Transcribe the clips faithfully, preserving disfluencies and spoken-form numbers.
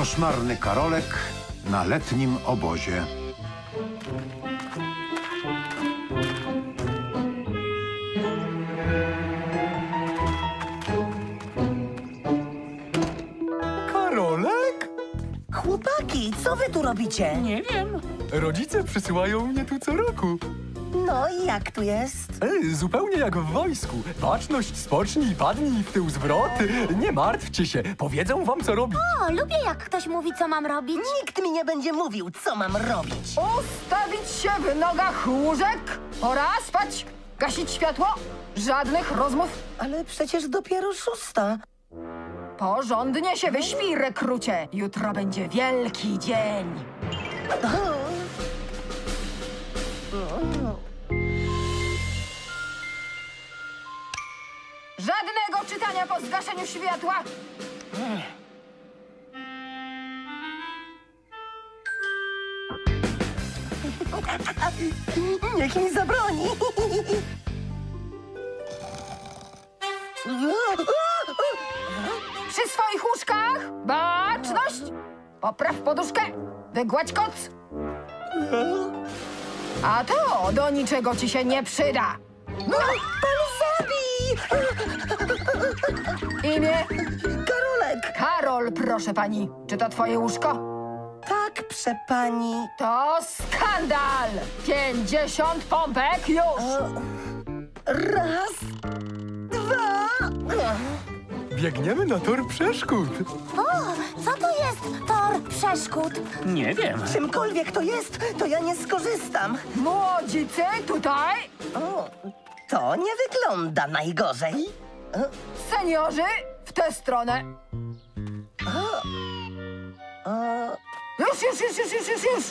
Koszmarny Karolek na letnim obozie. Karolek? Chłopaki, co wy tu robicie? Nie wiem. Rodzice przysyłają mnie tu co roku. No i jak tu jest? E, zupełnie jak w wojsku. Baczność, spocznij, padnij, w tył zwrot. Nie martwcie się, powiedzą wam co robić. O, lubię jak ktoś mówi, co mam robić. Nikt mi nie będzie mówił, co mam robić. Ustawić się w nogach łóżek. Pora spać. Gasić światło. Żadnych rozmów. Ale przecież dopiero szósta. Porządnie się wyśpij, rekrucie. Jutro będzie wielki dzień. Żadnego czytania po zgaszeniu światła. Niech mi zabroni. Przy swoich łóżkach. Baczność. Popraw poduszkę. Wygładź koc. A to do niczego ci się nie przyda. Pan zabij! Imię? Karolek! Karol, proszę pani. Czy to twoje łóżko? Tak, przepani. To skandal! Pięćdziesiąt pompek już! Raz, dwa... Biegniemy na tor przeszkód. O, co to jest tor przeszkód? Nie wiem. Czymkolwiek to jest, to ja nie skorzystam. Młodzicy, tutaj! O, to nie wygląda najgorzej. Seniorzy, w tę stronę! Już, już, już, już, już, już, już!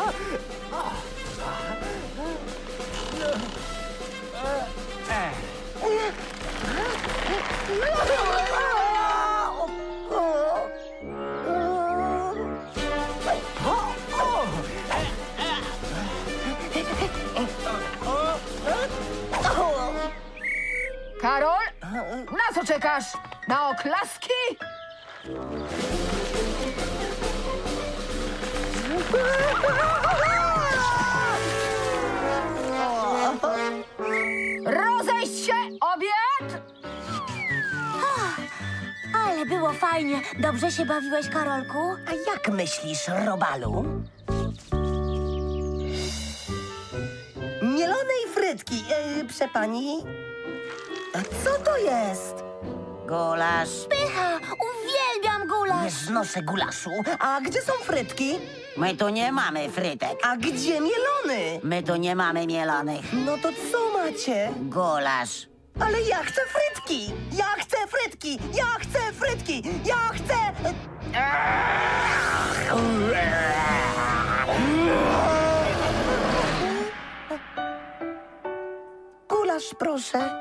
Karol, na co czekasz? Na oklaski? Rozejść się, obiad! Ale było fajnie. Dobrze się bawiłeś, Karolku? A jak myślisz, Robalu? Mielonej frytki, yy, przepani. A co to jest? Gulasz. Pycha! Uwielbiam Nie gulasz! znoszę gulaszu. A gdzie są frytki? My tu nie mamy frytek. A gdzie mielony? My tu nie mamy mielonych. No to co macie? Gulasz. Ale ja chcę frytki! Ja chcę frytki! Ja chcę frytki! Ja chcę... Gulasz, proszę.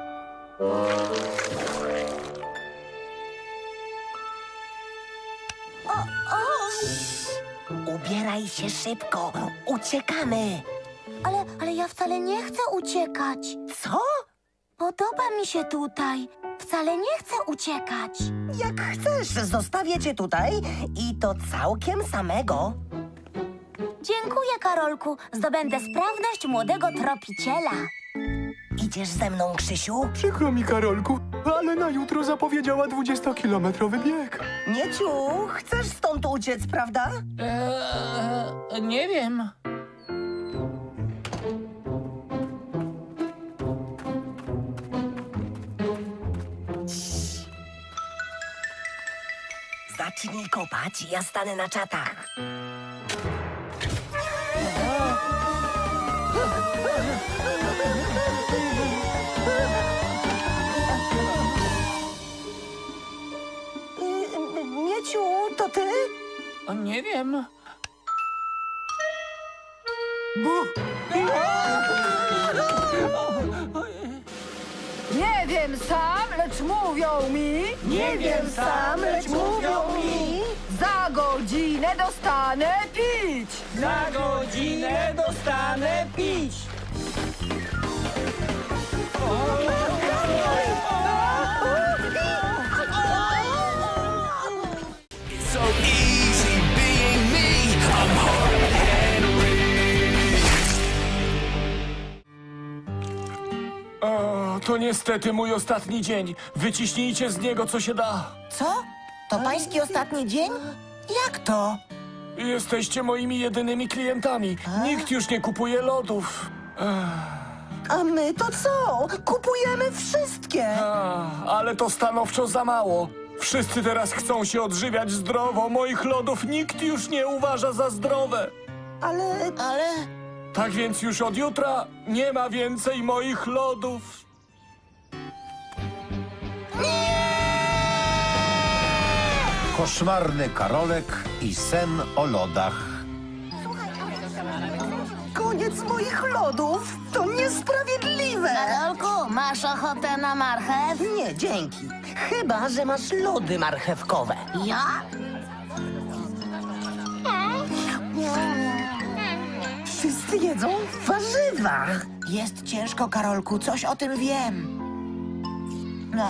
O, o! Ubieraj się szybko. Uciekamy. Ale, ale ja wcale nie chcę uciekać. Co? Podoba mi się tutaj. Wcale nie chcę uciekać. Jak chcesz, zostawię cię tutaj i to całkiem samego. Dziękuję, Karolku. Zdobędę sprawność młodego tropiciela. Idziesz ze mną, Krzysiu? Przykro mi, Karolku, ale na jutro zapowiedziała dwudziestokilometrowy bieg. Mieciu, chcesz stąd uciec, prawda? Eee, nie wiem. Zacznij kopać, ja stanę na czatach. Y, Mieciu, to ty? O, nie wiem. Nie wiem sam, lecz mówią mi. Nie wiem sam, lecz mówią mi. Za godzinę dostanę pić. Za godzinę dostanę pić. So easy To niestety mój ostatni dzień. Wyciśnijcie z niego, co się da. Co? To pański ostatni dzień? Jak to? Jesteście moimi jedynymi klientami. Nikt już nie kupuje lodów. A my to co? Kupujemy wszystkie! A, ale to stanowczo za mało. Wszyscy teraz chcą się odżywiać zdrowo. Moich lodów nikt już nie uważa za zdrowe. Ale... ale... Tak więc już od jutra nie ma więcej moich lodów. Koszmarny Karolek i sen o lodach. Koniec moich lodów! To niesprawiedliwe! Karolku, masz ochotę na marchew? Nie, dzięki. Chyba, że masz lody marchewkowe. Ja? Wszyscy jedzą warzywa. Jest ciężko, Karolku, coś o tym wiem. No,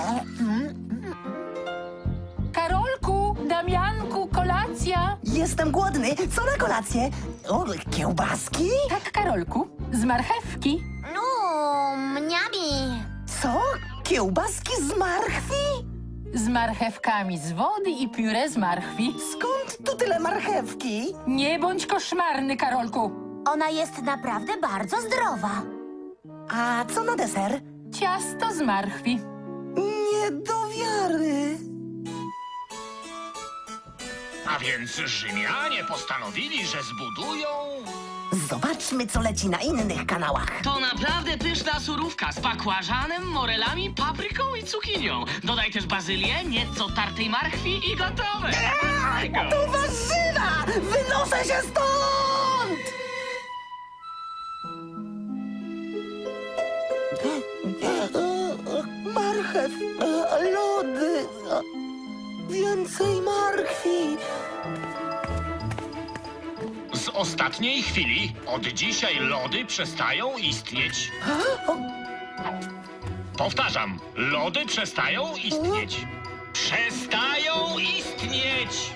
Karolku, Damianku, kolacja. jestem głodny. Co na kolację? O, kiełbaski? Tak, Karolku, z marchewki. No, mniami. Co? Kiełbaski z marchwi? Z marchewkami z wody i pióre z marchwi. Skąd tu tyle marchewki? Nie bądź koszmarny, Karolku. Ona jest naprawdę bardzo zdrowa. A co na deser? Ciasto z marchwi. Nie do wiary. A więc Rzymianie postanowili, że zbudują... Zobaczmy, co leci na innych kanałach. To naprawdę pyszna surówka z bakłażanem, morelami, papryką i cukinią. Dodaj też bazylię, nieco tartej marchwi i gotowe. To warzywa! Wynoszę się stąd! Marchew, e, lody, e, więcej marchwi. Z ostatniej chwili od dzisiaj lody przestają istnieć. Powtarzam, lody przestają istnieć. Przestają istnieć!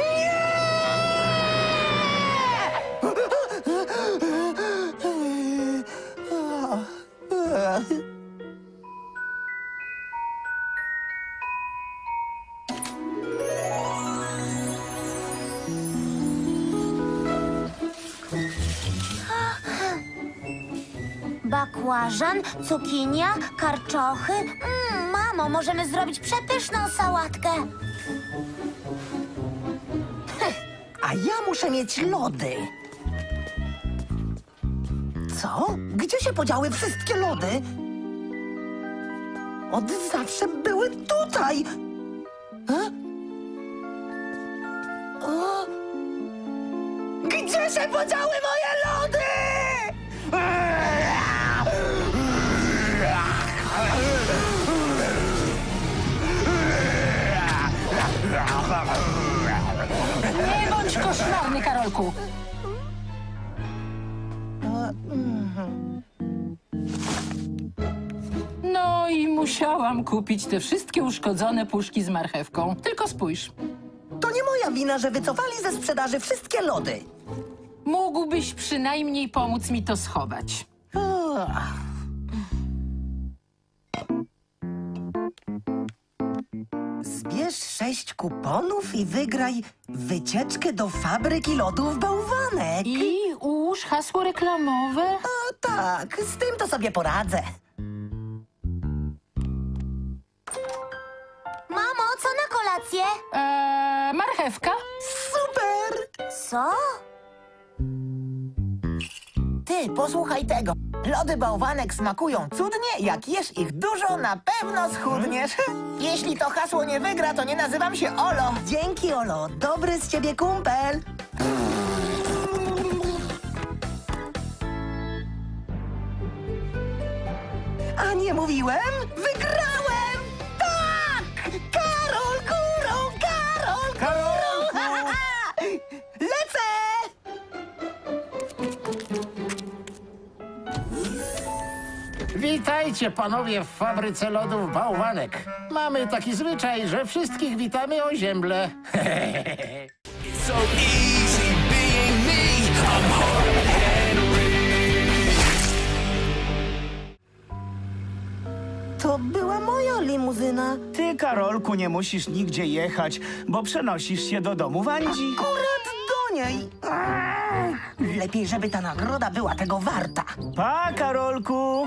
Bakłażan, cukinia, karczochy. Mm, mamo, możemy zrobić przepyszną sałatkę. A ja muszę mieć lody. Co? Gdzie się podziały wszystkie lody? Od zawsze były tutaj. E? O? Gdzie się podziały moje lody? Nie bądź koszmarny, Karolku. No i musiałam kupić te wszystkie uszkodzone puszki z marchewką. Tylko spójrz. To nie moja wina, że wycofali ze sprzedaży wszystkie lody. Mógłbyś przynajmniej pomóc mi to schować. Ach. Zbierz sześć kuponów i wygraj wycieczkę do fabryki lodów Bałwanek. I ułóż hasło reklamowe. A tak, z tym to sobie poradzę. Mamo, co na kolację? Eee, marchewka? Super! Co? Ty, posłuchaj tego. Lody Bałwanek smakują cudnie, jak jesz ich dużo, na pewno schudniesz. Jeśli to hasło nie wygra, to nie nazywam się Olo. Dzięki, Olo. Dobry z ciebie kumpel. A nie mówiłem? Wygrałem! Tak! Karol górą, Karol górą! Lecę! Witajcie panowie w fabryce lodów Bałwanek. Mamy taki zwyczaj, że wszystkich witamy o ziemble. So easy being me. I'm hard-headed. To była moja limuzyna. Ty, Karolku, nie musisz nigdzie jechać, bo przenosisz się do domu Wandzi. Akurat do niej. Lepiej, żeby ta nagroda była tego warta. Pa, Karolku!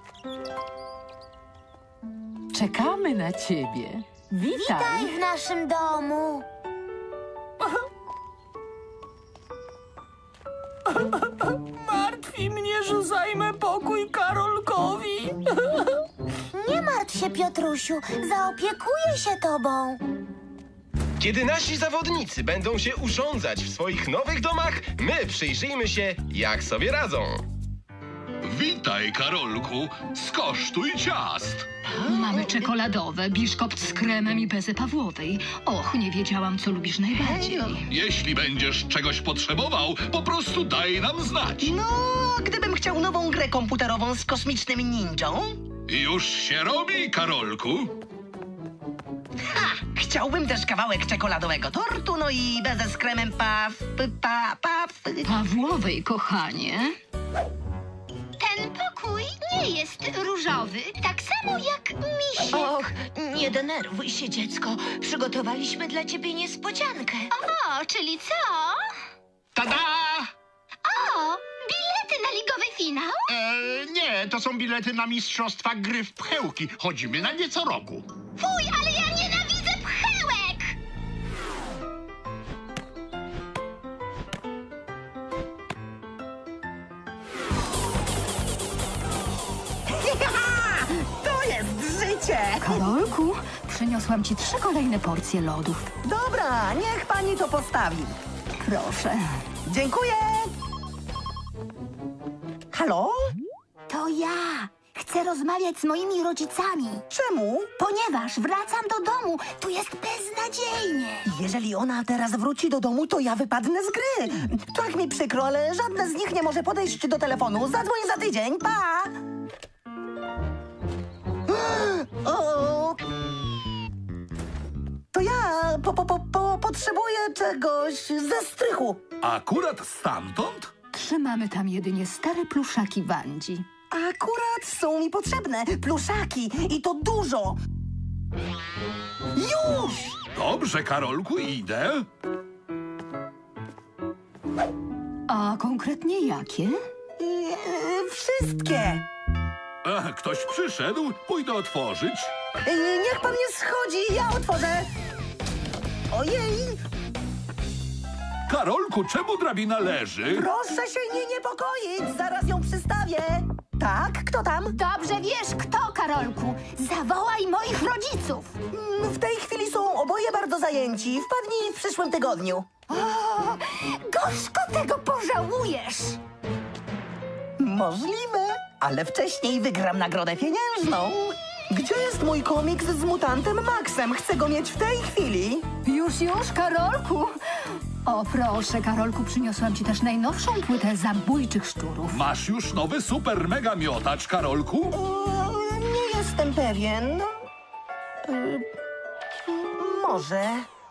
Czekamy na ciebie. Witaj. Witaj w naszym domu. Martwi mnie, że zajmę pokój Karolkowi. Nie martw się, Piotrusiu. Zaopiekuję się tobą. Kiedy nasi zawodnicy będą się urządzać w swoich nowych domach, my przyjrzyjmy się, jak sobie radzą. Witaj, Karolku. Skosztuj ciast. Mamy czekoladowe, biszkopt z kremem i bezę Pawłowej. Och, nie wiedziałam, co lubisz najbardziej. Jeśli będziesz czegoś potrzebował, po prostu daj nam znać. No, gdybym chciał nową grę komputerową z kosmicznym ninją. Już się robi, Karolku. Ha! Chciałbym też kawałek czekoladowego tortu, no i bezę z kremem paw, pa, paw. Pawłowej, kochanie. Ten pokój nie jest różowy, tak samo jak misiek. Och, nie denerwuj się, dziecko. Przygotowaliśmy dla ciebie niespodziankę. O, czyli co? Tada! O, bilety na ligowy finał? E, nie, to są bilety na mistrzostwa gry w pchełki. Chodzimy na nie co roku. Fuj, ale ja nienawidzę pchełek! To jest życie! Karolku, przyniosłam ci trzy kolejne porcje lodów. Dobra, niech pani to postawi. Proszę. Dziękuję! Halo? To ja. Chcę rozmawiać z moimi rodzicami. Czemu? Ponieważ wracam do domu. Tu jest beznadziejnie. Jeżeli ona teraz wróci do domu, to ja wypadnę z gry. Tak mi przykro, ale żadne z nich nie może podejść do telefonu. Zadzwoń za tydzień, pa! O! To ja po, po, po, po, potrzebuję czegoś ze strychu. Akurat stamtąd? Trzymamy tam jedynie stare pluszaki Wandzi. Akurat są mi potrzebne pluszaki i to dużo. Już! Dobrze, Karolku, idę. A konkretnie jakie? Eee, wszystkie. Ach, ktoś przyszedł, pójdę otworzyć. Eee, niech pan nie schodzi, ja otworzę. Ojej! Karolku, czemu drabina leży? Proszę się nie niepokoić, zaraz ją przystawię. Tak, kto tam? Dobrze wiesz kto, Karolku. Zawołaj moich rodziców. Mm, W tej chwili są oboje bardzo zajęci. Wpadnij w przyszłym tygodniu. O, gorzko tego pożałujesz. Możliwe, ale wcześniej wygram nagrodę pieniężną. Gdzie jest mój komiks z mutantem Maxem? Chcę go mieć w tej chwili. Już, już, Karolku. O, proszę, Karolku, przyniosłam ci też najnowszą płytę zabójczych szczurów. Masz już nowy super mega miotacz, Karolku? Eee, nie jestem pewien. Eee, może.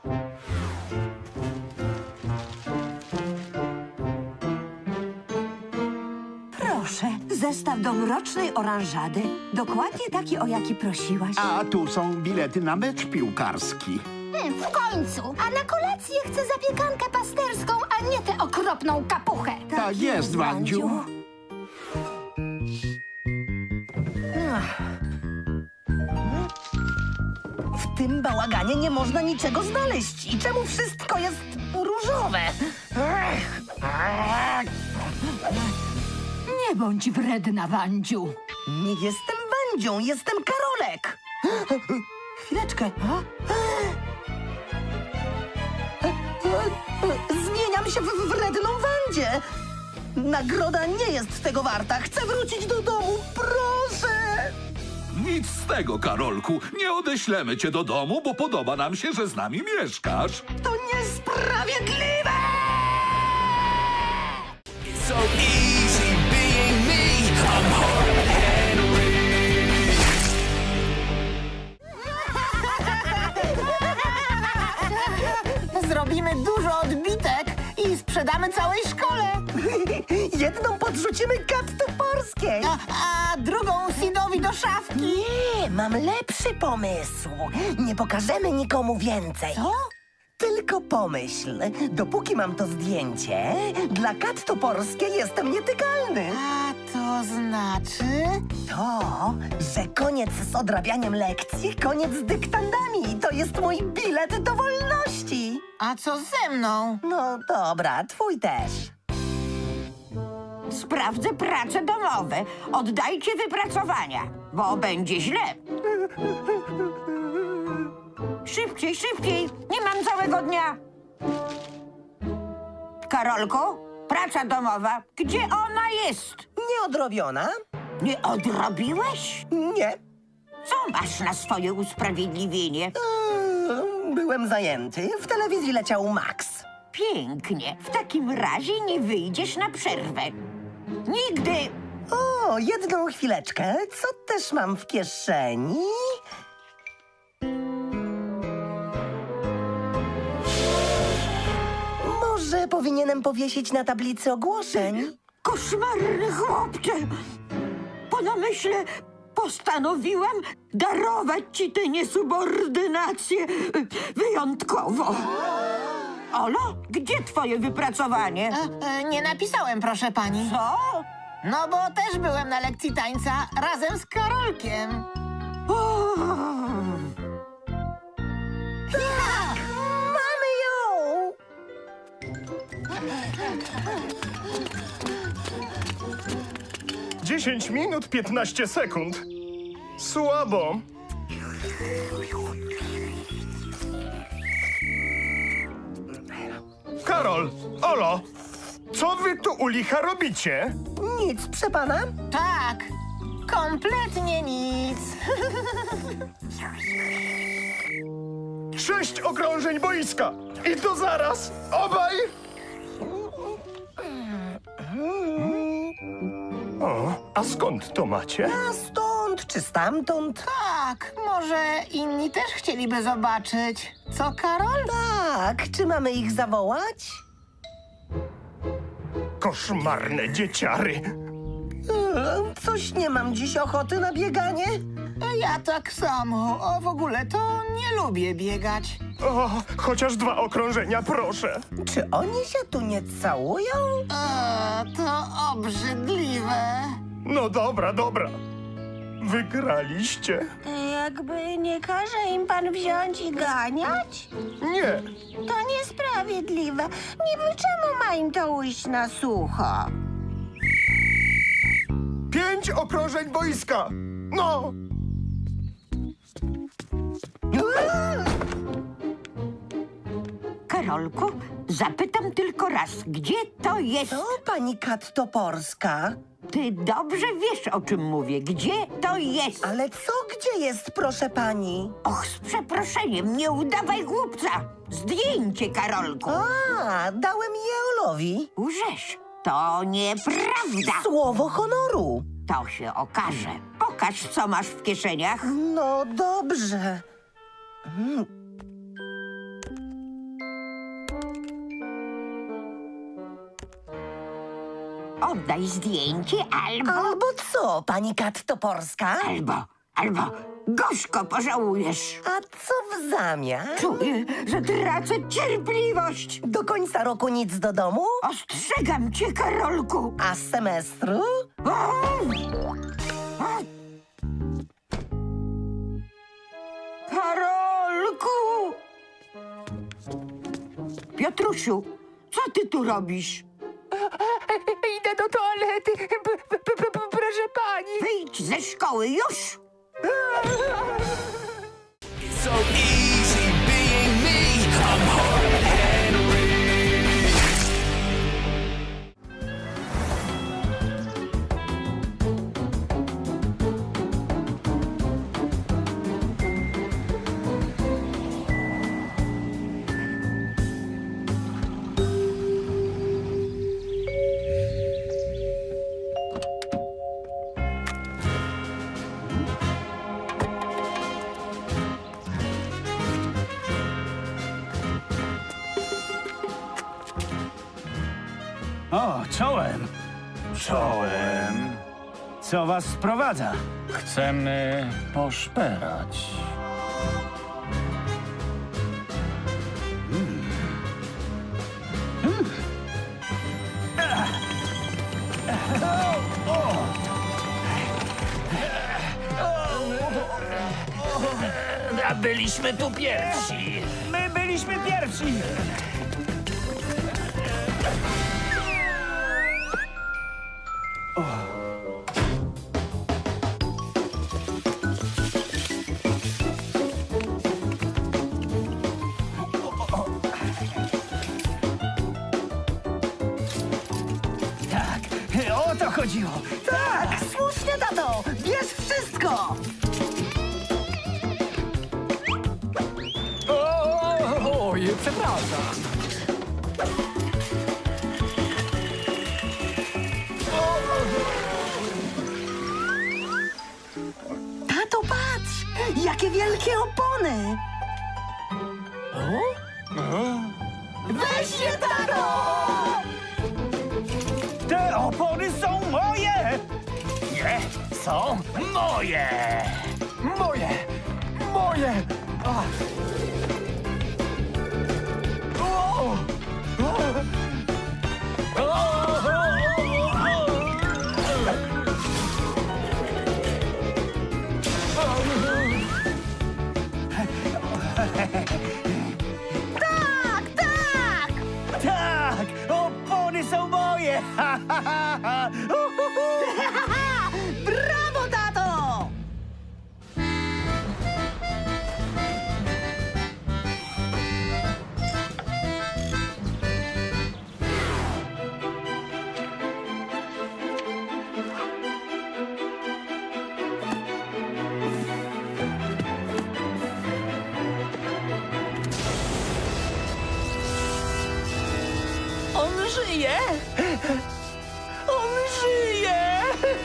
Proszę, zestaw do mrocznej oranżady. Dokładnie taki, o jaki prosiłaś. A tu są bilety na mecz piłkarski. Hmm, w końcu. A na kolację chcę zapiekankę pasterską, a nie tę okropną kapuchę. Tak jest, Wandziu. W tym bałaganie nie można niczego znaleźć. I czemu wszystko jest różowe? Nie bądź wredna, Wandziu. Nie jestem Wandzią, jestem Karolek. Chwileczkę. Zmieniam się w wredną Wandzię. Nagroda nie jest tego warta. Chcę wrócić do domu, proszę. Nic z tego, Karolku. Nie odeślemy cię do domu, bo podoba nam się, że z nami mieszkasz. To niesprawiedliwe! It's so easy being me. I'm hard to handle. Zrobimy dużo odbitek i sprzedamy całej szkole. Jedną podrzucimy Kat Toporskiej. A, a drugą Sidowi do szafki. Nie, mam lepszy pomysł. Nie pokażemy nikomu więcej. Co? Tylko pomyśl, dopóki mam to zdjęcie, dla Kat Toporskiej jestem nietykalny. A to znaczy? To, że koniec z odrabianiem lekcji, koniec z dyktandami. To jest mój bilet do wolności. A co ze mną? No dobra, twój też. Sprawdzę prace domowe. Oddajcie wypracowania, bo będzie źle. Szybciej, szybciej. Nie mam całego dnia. Karolku, praca domowa. Gdzie ona jest? Nieodrobiona? Nie odrobiłeś? Nie. Co masz na swoje usprawiedliwienie? Eee, byłem zajęty. W telewizji leciał Max. Pięknie. W takim razie nie wyjdziesz na przerwę. Nigdy. O, jedną chwileczkę. Co też mam w kieszeni? Może powinienem powiesić na tablicy ogłoszeń? Koszmarny chłopcze! Po namyśle postanowiłam darować ci tę niesubordynację wyjątkowo. Olo, gdzie twoje wypracowanie? E, e, nie napisałem, proszę pani. Co? No bo też byłem na lekcji tańca razem z Karolkiem. O! Tak! Mamy ją! dziesięć minut, piętnaście sekund. Słabo. Karol, Olo, co wy tu u licha robicie? Nic, proszę pana. Tak, kompletnie nic. Sześć okrążeń boiska. I to zaraz. Obaj. O, a skąd to macie? A stąd czy stamtąd? Tak, może inni też chcieliby zobaczyć. Co, Karol? Tak, czy mamy ich zawołać? Koszmarne dzieciary. Eee, Coś nie mam dziś ochoty na bieganie. Ja tak samo. O, w ogóle to nie lubię biegać. O, chociaż dwa okrążenia, proszę. Czy oni się tu nie całują? O, to obrzydliwe. No dobra, dobra. Wygraliście. Jakby nie każe im pan wziąć i ganiać? Nie. To niesprawiedliwe. Niby czemu ma im to ujść na sucho? Pięć okrążeń boiska. No. Karolku, zapytam tylko raz, gdzie to jest? To pani Kat Toporska. Ty dobrze wiesz, o czym mówię. Gdzie to jest? Ale co gdzie jest, proszę pani? Och, z przeproszeniem, nie udawaj głupca. Zdjęcie, Karolku. A, dałem je Olowi. Łżesz. To nieprawda. Słowo honoru. To się okaże. Pokaż, co masz w kieszeniach. No dobrze. Mm. Oddaj zdjęcie albo... Albo co, pani Kat Toporska? Albo, albo gorzko pożałujesz. A co w zamian? Czuję, że tracę cierpliwość. Do końca roku nic do domu? Ostrzegam cię, Karolku. A z semestru? Karolku! Piotrusiu, co ty tu robisz? Idę do toalety, p- p- p- p- proszę pani. Wyjdź ze szkoły już! So easy being me. I'm hard Henry. O, czołem. Czołem. Co was sprowadza? Chcemy poszperać. A byliśmy tu pierwsi. My byliśmy pierwsi. Tak, o to chodziło. Tak, słusznie, tato! Bierz wszystko! O, oj, przepraszam. Tato, patrz! Jakie wielkie opony! Weź je, tato! Te opony są moje! Nie, są moje. Moje! Moje! A. O! Tak, tak! Tak! Opony są moje! Ha, ha, ha, ha. Uhuhu. Brawo, tato! On żyje! On żyje!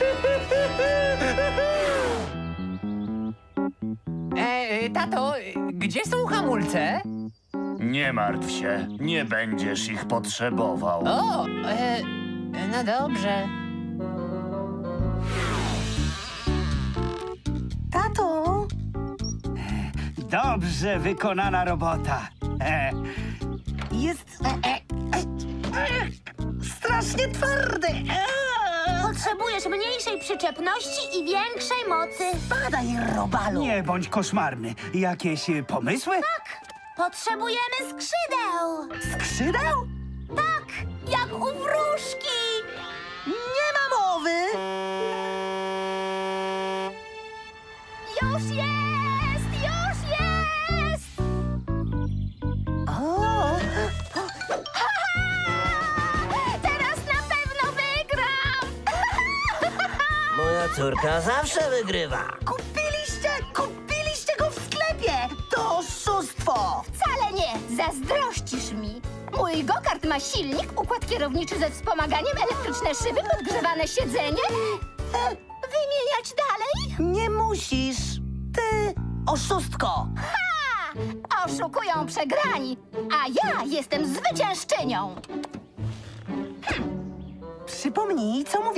E, tato, gdzie są hamulce? Nie martw się, nie będziesz ich potrzebował. O, e, no dobrze. Tato! Dobrze wykonana robota. E, Jest... E, e, e, strasznie twardy! E, Potrzebujesz mniejszej przyczepności i większej mocy. Spadaj, robalu! nie bądź koszmarny. Jakieś e, pomysły? Tak, potrzebujemy skrzydeł. Skrzydeł? Tak, jak u wróżki. Nie ma mowy! Już jest, już jest. O! Teraz na pewno wygram. Moja córka zawsze wygrywa. Kupiliście, kupiliście go w sklepie! To oszustwo! Wcale nie, zazdrościsz mi. Mój go-kart ma silnik, układ kierowniczy ze wspomaganiem, elektryczne szyby, podgrzewane siedzenie. E, wymieniać dalej? Nie musisz! Ty, oszustko! Ha! Oszukują przegrani, a ja jestem zwyciężczynią. Przypomnij, co mówi